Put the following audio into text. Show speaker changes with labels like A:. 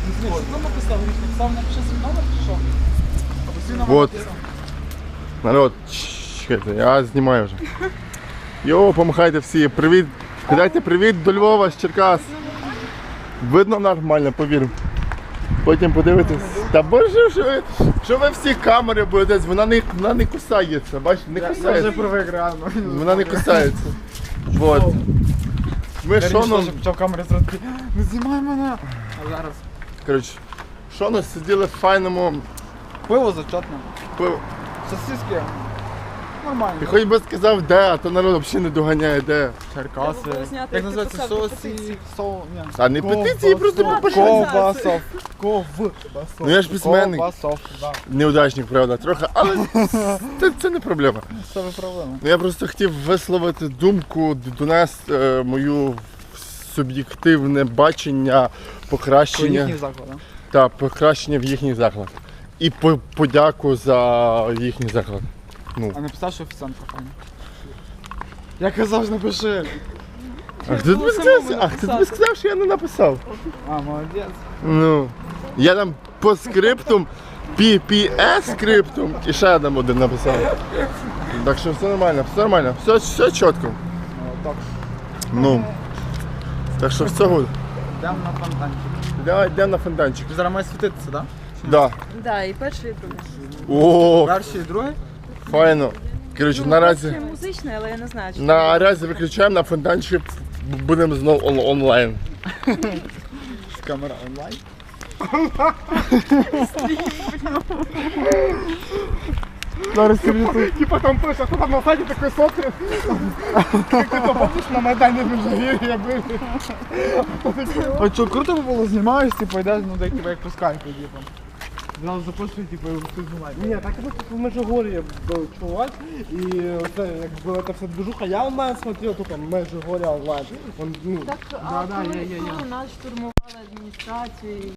A: Ну написав, написав, напиши свій номер чи що? Або свій номер
B: Вот.
A: написав.
B: Народ, чекайте, я знімаю вже. Йо, помахайте всі, привіт. Передайте привіт до Львова з Черкас. Видно нормально, повір. Потім подивитесь. Та боже, що ви всі камери будете, вона не кусається, бачите, не
A: Я вже
B: кусається.
A: привик реально.
B: Вона не кусається. Вот. Ми
A: Шоном
B: Шоном,
A: почав камери зразу такий, не знімай мене. А зараз.
B: коротше, Шоном сиділи в файному
A: Пиво зачетне.
B: пиво.
A: Сосиски. Нормально.
B: І хоч би сказав де, а то народ взагалі не доганяє де.
A: Черкаси.
C: Треба було зняти,
A: Як
C: як ти
A: називається?
C: писав
A: Сосі.
C: петицію.
A: Ні.
B: А не петиції, просто попиши.
A: Ковбасов. Ковбасов.
B: Ну я ж письменник.
A: Ковбасов, да.
B: Неудачник, правда, трохи, але це не проблема.
A: Це виправимо.
B: Ну, я просто хотів висловити думку, донести мою суб'єктивне бачення, покращення
A: Їхній заклад, да?
B: та покращення в їхній заклад. І подяку за їхній заклад. Ну.
A: А написав, що офіціантка файна. Я казав, ж напиши.
B: А хто тобі сказав, що я не написав?
A: А, молодець.
B: Ну. Я там по скриптум, PPS скриптум і ще один написав. Так що все нормально, все чітко.
A: Так,
B: Ну. Так що все гуд.
A: йдемо на фонтанчик.
B: Давай йдемо на фонтанчик.
A: Ти зараз маєш світитися, так?
B: Да.
C: Да, і перший, і другий.
B: О,
A: Перший і другий?
B: файно. Коротше, наразі,
C: Це музичний, але я не знаю, чи
B: наразі виключаємо, на фонтанчик будемо знову онлайн.
A: З камера онлайн. Зараз тобі тут.
D: Типа там пише, що там на сайті такий сотри. Як ти то помниш на Майдані в Межигір'ї були?
A: А що, круто би було, знімаєш, типу, йдеш, ну так, типу, як по скайпу, типу. Зразу запрошую, типу, і ти знімаєш.
D: Ні, так і в Межигор'ї був чувак, і це як була та вся движуха, я онлайн смотрел, тільки Межигор'я онлайн. Он, ну,
C: так,
D: да,
C: коли
D: є.
C: нас штурмували адміністрацію.